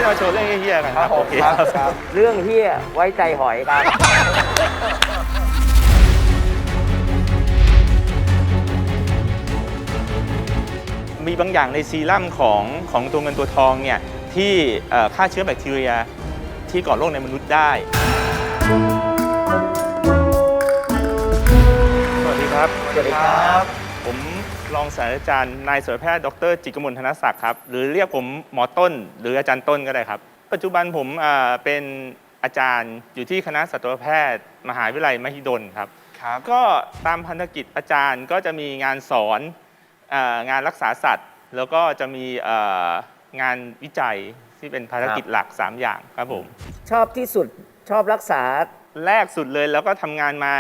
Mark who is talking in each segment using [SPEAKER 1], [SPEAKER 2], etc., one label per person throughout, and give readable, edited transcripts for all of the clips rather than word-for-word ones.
[SPEAKER 1] มาโชว์เรื่องเฮี้ยๆกันครับโอเคครับ
[SPEAKER 2] เรื่องเฮี้ยไว้ใจหอยครับ
[SPEAKER 1] มีบางอย่างในซีรั่มของตัวเงินตัวทองเนี่ยที่ฆ่าเชื้อแบคทีเรียที่ก่อโรคในมนุษย์ได้สวัสดีครับ
[SPEAKER 2] สวัสดีครับ
[SPEAKER 1] ผมรองศาสตราจารย์นายสัตวแพทย์ดร.จิตรกมลธนศักดิ์ครับหรือเรียกผมหมอต้นหรืออาจารย์ต้นก็ได้ครับปัจจุบันผมเป็นอาจารย์อยู่ที่คณะสัตวแพทย์มหาวิทยาลัยมหิดลครับก็ตามพันธกิจอาจารย์ก็จะมีงานสอนงานรักษาสัตว์แล้วก็จะมีงานวิจัยที่เป็นภารกิจหลัก3อย่างครับผม
[SPEAKER 2] ชอบที่สุดชอบรักษา
[SPEAKER 1] แรกสุดเลยแล้วก็ทำงานมา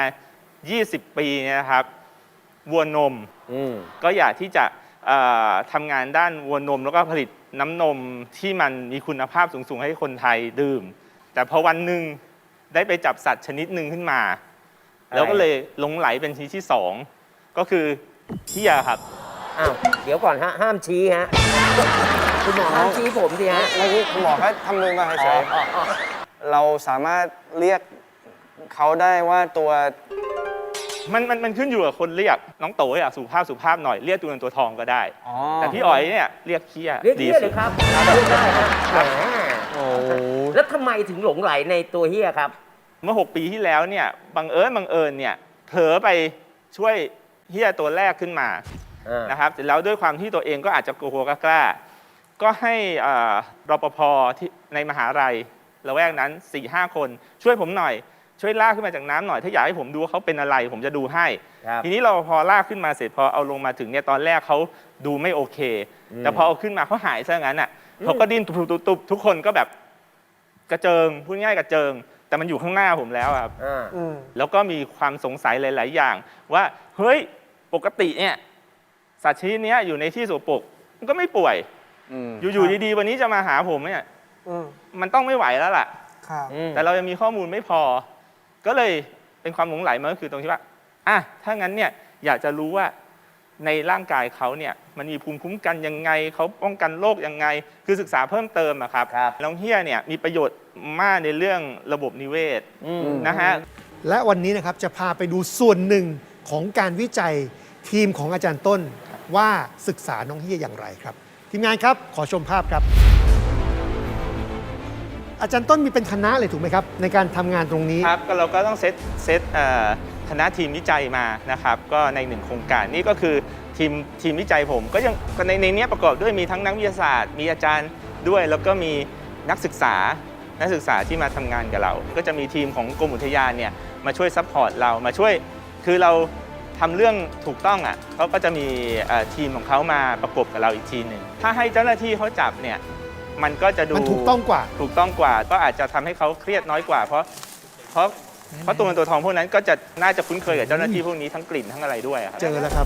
[SPEAKER 1] 20 ปีเนี่ยนะครับวัวนมก็อยากที่จะทำงานด้านวัวนมแล้วก็ผลิตน้ำนมที่มันมีคุณภาพสูงๆให้คนไทยดื่มแต่พอวันหนึ่งได้ไปจับสัตว์ชนิดหนึ่งขึ้นมาแล้วก็เลยหลงไหลเป็นชนิดที่2ก็คือเหี้ยครับ
[SPEAKER 2] อ้าวเดี๋ยวก่อนฮะห้ามชี้ฮะคุณหมอห้ามชี้ผมสิฮะ
[SPEAKER 3] เมื่อกี้คุณหมอแค่ทำมือมาเฉยๆเราสามารถเรียกเขาได้ว่าตัว
[SPEAKER 1] มันขึ้นอยู่กับคนเรียกน้องโตอยากสุภาพหน่อยเรียกตัวเงินตัวทองก็ได้แต่พี่อ๋อยเนี่ยเรียกเคี้ย
[SPEAKER 2] เรียกเฮี้ยเลยครับเรียกได้ครับโอ้แล้วทำไมถึงหลงไหลในตัวเฮี้ยครับ
[SPEAKER 1] เมื่อ6 ปีที่แล้วเนี่ยบังเอิญเนี่ยเผลอไปช่วยเฮี้ยตัวแรกขึ้นมานะครับเสร็จแล้วด้วยความที่ตัวเองก็อาจจะกลัวกล้าก็ให้รปภที่ในมหาลัยละแวกนั้น 4-5 คนช่วยผมหน่อยช่วยลากขึ้นมาจากน้ำหน่อยถ้าอยากให้ผมดูว่าเขาเป็นอะไรผมจะดูให้ทีนี้เราพอลากขึ้นมาเสร็จพอเอาลงมาถึงเนี่ยตอนแรกเขาดูไม่โอเคแต่พอเอาขึ้นมาเขาหายซะงั้นอ่ะเขาก็ดิ้นตุบทุกคนก็แบบกระเจิงพูดง่ายกระเจิงแต่มันอยู่ข้างหน้าผมแล้วครับแล้วก็มีความสงสัยหลายๆอย่างว่าเฮ้ยปกติเนี่ยสัตว์ชนิดนี้อยู่ในที่สกปรกมันก็ไม่ป่วยอยู่ดีๆวันนี้จะมาหาผมเนี่ยมันต้องไม่ไหวแล้วล่ะแต่เรายังมีข้อมูลไม่พอก็เลยเป็นความหลงไหลมันก็คือตรงที่ว่าถ้างั้นเนี่ยอยากจะรู้ว่าในร่างกายเขาเนี่ยมันมีภูมิคุ้มกันยังไงเขาป้องกันโรคยังไงคือศึกษาเพิ่มเติมอะครับน้องเฮี้ยเนี่ยมีประโยชน์มากในเรื่องระบบนิเวศนะฮะ
[SPEAKER 4] และวันนี้นะครับจะพาไปดูส่วนหนึ่งของการวิจัยทีมของอาจารย์ต้นว่าศึกษาน้องเฮี้ยอย่างไรครับทีมงานครับขอชมภาพครับอาจารย์ต้นมีเป็นคณะเลยถูกไหมครับในการทำงานตรงนี้
[SPEAKER 1] ครับก็เราก็ต้องเซตคณะทีมวิจัยมานะครับก็ใน1โครงการนี่ก็คือทีมวิจัยผมก็ยังในนี้ประกอบด้วยมีทั้งนักวิทยาศาสตร์มีอาจารย์ด้วยแล้วก็มีนักศึกษาที่มาทำงานกับเราก็จะมีทีมของกรมอุทยานเนี่ยมาช่วยซัพพอร์ตเรามาช่วยคือเราทำเรื่องถูกต้องอ่ะเขาก็จะมีทีมของเขามาประกบกับเราอีกทีหนึ่งถ้าให้เจ้าหน้าที่เขาจับเนี่ยมันก็จะดู
[SPEAKER 4] มันถูกต้องกว่า
[SPEAKER 1] ก็อาจจะทำให้เขาเครียดน้อยกว่าเพราะตัวเงินตัวทองพวกนั้นก็จะน่าจะคุ้นเคยกับเจ้าหน้าที่พวกนี้ทั้งกลิ่นทั้งอะไรด้วยครับ
[SPEAKER 4] เจอแล้วครับ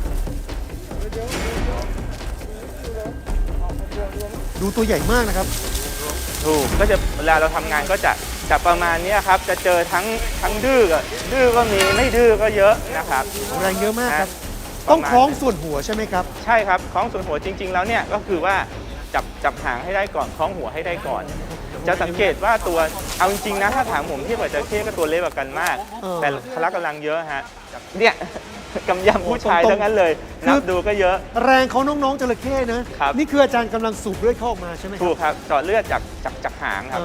[SPEAKER 4] ดูตัวใหญ่มากนะครับ
[SPEAKER 1] ถูกก็จะเวลาเราทำงานก็จะประมาณนี้ครับจะเจอทั้งดื้อก็มีไม่ดื้อก็เยอะนะครับ
[SPEAKER 4] แรงเยอะมากครับต้องคล้องส่วนหัวใช่ไหมครับ
[SPEAKER 1] ใช่ครับคล้องส่วนหัวจริงๆแล้วเนี่ยก็คือว่าจับหางให้ได้ก่อนคล้องหัวให้ได้ก่อนจะสังเกตว่าตัวเอาจริงๆนะถ้าถามผมเทียบกับจระเข้ก็ตัวเล็กกว่ากันมากแต่พละกำลังเยอะฮะเนี่ยกำยำผู้ชายทั้งนั้นเลยนับดูก็เยอะ
[SPEAKER 4] แรงของน้องๆจระเข้นะนี่คืออาจารย์กำลังสูบเลือดเข้าออกมาใช่ไหม
[SPEAKER 1] ถูกครับเจาะเลือดจากหางครับ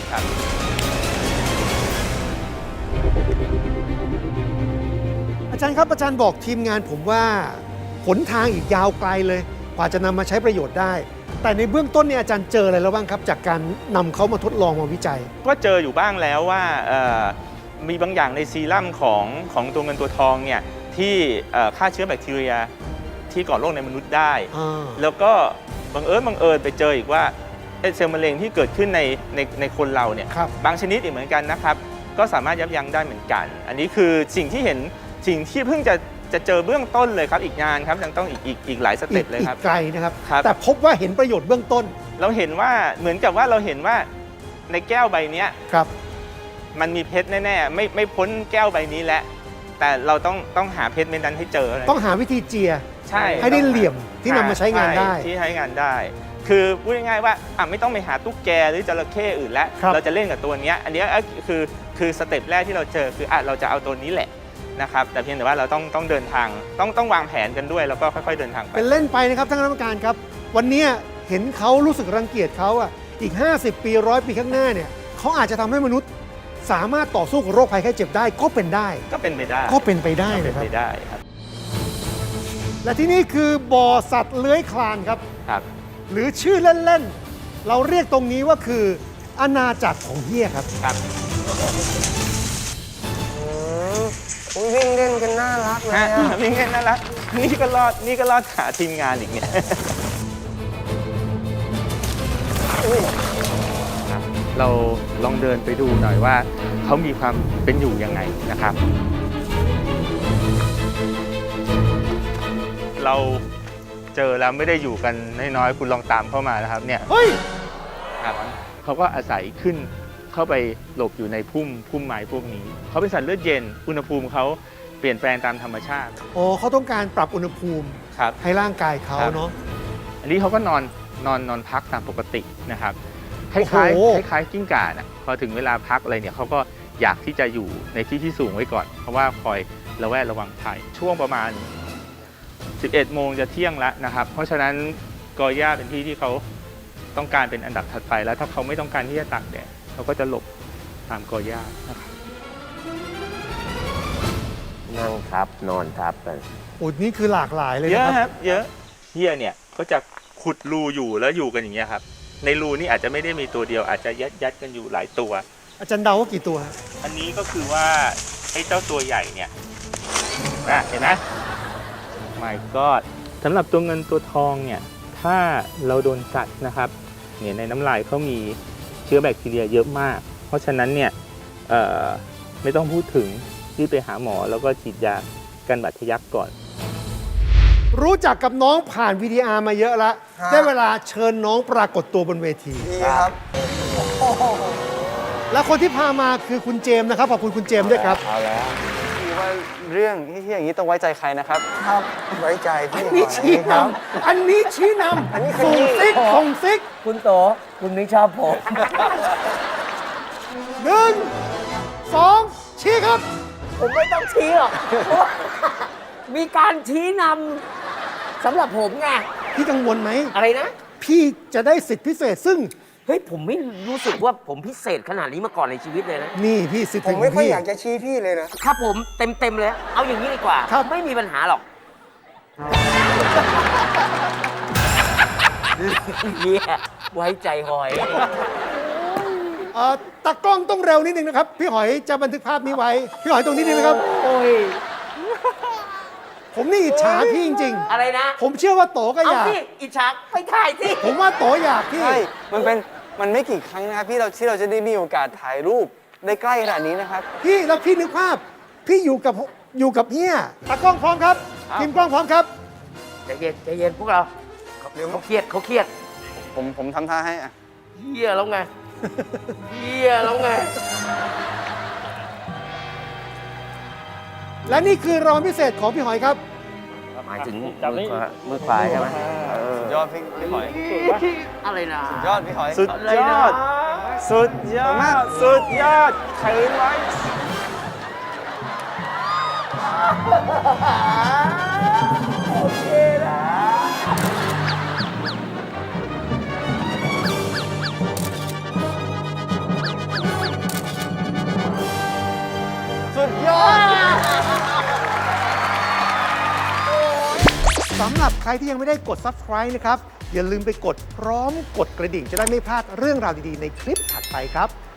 [SPEAKER 4] อาจารย์ครับอาจารย์บอกทีมงานผมว่าหนทางอีกยาวไกลเลยกว่าจะนำมาใช้ประโยชน์ได้แต่ในเบื้องต้นเนี่ยอาจารย์เจออะไรแล้วบ้างครับจากการนำเขามาทดลองมาวิจัย
[SPEAKER 1] ก็เจออยู่บ้างแล้วว่ามีบางอย่างในซีรั่มของตัวเงินตัวทองเนี่ยที่ฆ่าเชื้อแบคทีเรียที่ก่อโรคในมนุษย์ได้แล้วก็บังเอิญไปเจออีกว่าเซลล์มะเร็งที่เกิดขึ้นในคนเราเนี่ยบางชนิดอีกเหมือนกันนะครับก็สามารถยับยั้งได้เหมือนกันอันนี้คือสิ่งที่เพิ่งจะเจอเบื้องต้นเลยครับอีกงานครับยังต้องอีกหลายสเต็ปเลยครับ
[SPEAKER 4] ไกลนะครับแต่พบว่าเห็นประโยชน์เบื้องต้น
[SPEAKER 1] เราเห็นว่าเหมือนกับว่าเราเห็นว่าในแก้วใบนี้มันมีเพชรแน่ๆไม่พ้นแก้วใบนี้แล้วแต่เราต้องหาเพชรเม็ดนั้นให้เจอ
[SPEAKER 4] ต้องหาวิธีเจีย
[SPEAKER 1] ใช่
[SPEAKER 4] ให้ได้เหลี่ยมที่นำมาใช้งานได้
[SPEAKER 1] ที่ใช้งานได้คือพูดง่ายๆว่าไม่ต้องไปหาตุ๊กแกหรือจระเข้อื่นแล้ว
[SPEAKER 4] ครับ
[SPEAKER 1] เราจะเล่นกับตัวเนี้ยอันเนี้ยคือสเต็ปแรกที่เราเจอคือเราจะเอาตัวนี้แหละนะครับแต่เพียงแต่ว่าเราต้องเดินทางต้องวางแผนกันด้วยแล้วก็ค่อยๆเดินทางไป
[SPEAKER 4] เป็นเล่นไปนะครับท่านคณะกรรมการครับ วันเนี้ยเห็นเขารู้สึกรังเกียจเขาอ่ะอีก 50 ปี100 ปีข้างหน้าเนี่ยเขาอาจจะทำให้มนุษย์สามารถต่อสู้กับโรคภัยไข้เจ็บได้ก็เป็นได้
[SPEAKER 1] ก็เป็นไปได้
[SPEAKER 4] ก็เป็นไปได้
[SPEAKER 1] เป็
[SPEAKER 4] นะ
[SPEAKER 1] น
[SPEAKER 4] ครับ
[SPEAKER 1] ไปได้ครับ
[SPEAKER 4] และที่นี่คือบ่อสัตว์เลื้อยคลานครับ
[SPEAKER 1] ครับ
[SPEAKER 4] หรือชื่อเล่นๆ เราเรียกตรงนี้ว่าคืออาณาจักรของเฮียครับ
[SPEAKER 1] ครับ
[SPEAKER 3] วิ่งเล่นกันน่ารักเลย
[SPEAKER 1] นี่ไงน่ารักนี่ก็รอดขาทีมงานอีกเนี่ยเราลองเดินไปดูหน่อยว่าเขามีความเป็นอยู่ยังไงนะครับ เราเจอแล้วไม่ได้อยู่กันน้อยๆคุณลองตามเข้ามานะครับเนี่ย
[SPEAKER 4] เฮ้ย
[SPEAKER 1] ครับเขาก็อาศัยขึ้นเข้าไปหลบอยู่ในพุ่มไม้พวกนี้เขาเป็นสัตว์เลือดเย็นอุณหภูมิเขาเปลี่ยนแปลงตามธรรมชาติ
[SPEAKER 4] อ๋อเขาต้องการปรับอุณหภูมิ
[SPEAKER 1] ครับ
[SPEAKER 4] ให้ร่างกายเขา
[SPEAKER 1] ครับ
[SPEAKER 4] เนาะ
[SPEAKER 1] อันนี้เขาก็นอนพักตามปกตินะครับค
[SPEAKER 4] โอ้
[SPEAKER 1] ล้าย
[SPEAKER 4] โห
[SPEAKER 1] ๆคล้ายๆกิ้งก่านะพอถึงเวลาพักอะไรเนี่ยเขาก็อยากที่จะอยู่ในที่ที่สูงไว้ก่อน เพราะว่าคอยระแวดระวังภัยช่วงประมาณ 11 โมงจะเที่ยงแล้วนะครับ เพราะฉะนั้นกอหญ้าเป็นที่ที่เขาต้องการเป็นอันดับถัดไปแล้วถ้าเขาไม่ต้องการที่จะตากแดดเขาก็จะหลบตามกอหญ้านะครับ
[SPEAKER 2] นั่งทับนอนทับกัน
[SPEAKER 4] โอ้นี่คือหลากหลายเลย
[SPEAKER 1] เย
[SPEAKER 4] นะ
[SPEAKER 1] อะ
[SPEAKER 4] ค
[SPEAKER 1] ครับ รับเยอะเฮียเนี่ยก็จะขุดรูอยู่แล้วอยู่กันอย่างเงี้ยครับในรูนี่อาจจะไม่ได้มีตัวเดียวอาจจะยัดกันอยู่หลายตัว
[SPEAKER 4] อาจารย์เดาว่ากี่ตัวฮะ
[SPEAKER 1] อันนี้ก็คือว่าไอ้เจ้าตัวใหญ่เนี่ยเห็นไหม My God สำหรับตัวเงินตัวทองเนี่ยถ้าเราโดนกัดนะครับเนี่ยในน้ำลายเขามีเชื้อแบคทีเรียเยอะมาก เพราะฉะนั้นเนี่ยไม่ต้องพูดถึงรีบไปหาหมอแล้วก็ฉีดยากันบาดทะยักก่อน
[SPEAKER 4] รู้จักกับน้องผ่าน VTR มาเยอะแล้ว ได้เวลาเชิญน้องปรากฏตัวบนเวที
[SPEAKER 3] ดีครับ
[SPEAKER 4] และคนที่พามาคือคุณเจมส์นะครับ ขอบคุณคุณเจมส์ด้วยครับ
[SPEAKER 3] เอาแล้วคือว่าเรื่องที่อย่างนี้ต้องไว้ใจใครนะครับ ครับ ไว้ใจพี่
[SPEAKER 4] อันนี้ชี้นำอันนี้ชี้น
[SPEAKER 3] อันนี้
[SPEAKER 4] ำ
[SPEAKER 3] ขยี้
[SPEAKER 4] ส่งซิกส่งซิก
[SPEAKER 2] คุณโตคุณไม่ชอบผม
[SPEAKER 4] 1 2 ชี้ครับ
[SPEAKER 2] ผมไม่ต้องชี้หรอกเพราะว่ามีการชี้นำสำหรับผมไง
[SPEAKER 4] พี่กังวลไหม
[SPEAKER 2] อะไรนะ
[SPEAKER 4] พี่จะได้สิทธิพิเศษซึ่ง
[SPEAKER 2] เฮ้ย ผมไม่รู้สึกว่าผมพิเศษขนาดนี้มาก่อนในชีวิตเลยนะ
[SPEAKER 4] นี่พี่สิทธิ
[SPEAKER 3] ผมไม่ค่อย
[SPEAKER 4] พี่
[SPEAKER 3] อยากจะชี้พี่เลยนะ
[SPEAKER 2] ครับผมเต็มเลย เอาอย่างนี้ดีกว่า
[SPEAKER 4] ครับ
[SPEAKER 2] ไม่มีปัญหาหรอกเยี่ยไว้ใจหอย
[SPEAKER 4] ตากล้องต้องเร็วนิดนึงนะครับ พี่หอยจะบันทึกภาพนี้ไว้ พี่หอยตรงนี้ดีไหมครับ
[SPEAKER 2] โอ้ย
[SPEAKER 4] ผมนี่อิจฉาพี่จริง
[SPEAKER 2] อะไรนะ
[SPEAKER 4] ๆ ผมเชื่อว่าโตก็
[SPEAKER 2] เอา
[SPEAKER 4] อยาก
[SPEAKER 2] สิอิจฉาไปถ่ายสิ
[SPEAKER 4] ผมว่าโตอยากพี่
[SPEAKER 3] ใช่ มันไม่กี่ครั้งนะครับที่เราจะได้มีโอกาสถ่ายรูปได้ใกล้ขนาดนี้นะครับ
[SPEAKER 4] พี่แล้วพี่นึกภาพ พี่อยู่กับเฮียตากล้องพร้อมครับทีมกล้องพร้อมครับ
[SPEAKER 2] ใจเย็นพวกเราเขาเครียด
[SPEAKER 3] ผมทำท่าให้อะ
[SPEAKER 2] เฮียแล้วไงเฮียแล้วไง
[SPEAKER 4] และนี่คือรางวัลพิเศษของพี่หอยครับ
[SPEAKER 2] หมายถึงมือขวาใช่ไหม
[SPEAKER 3] สุดยอดพี่หอย
[SPEAKER 2] อะไรนะ
[SPEAKER 3] สุดยอดพี่หอย
[SPEAKER 1] สุดยอด สุดยอด สุดยอดถือไว้
[SPEAKER 2] โอเคนะ
[SPEAKER 3] สุดยอด
[SPEAKER 4] สำหรับใครที่ยังไม่ได้กด subscribe นะครับ อย่าลืมไปกดพร้อมกดกระดิ่งจะได้ไม่พลาดเรื่องราวดีๆ ในคลิปถัดไปครับ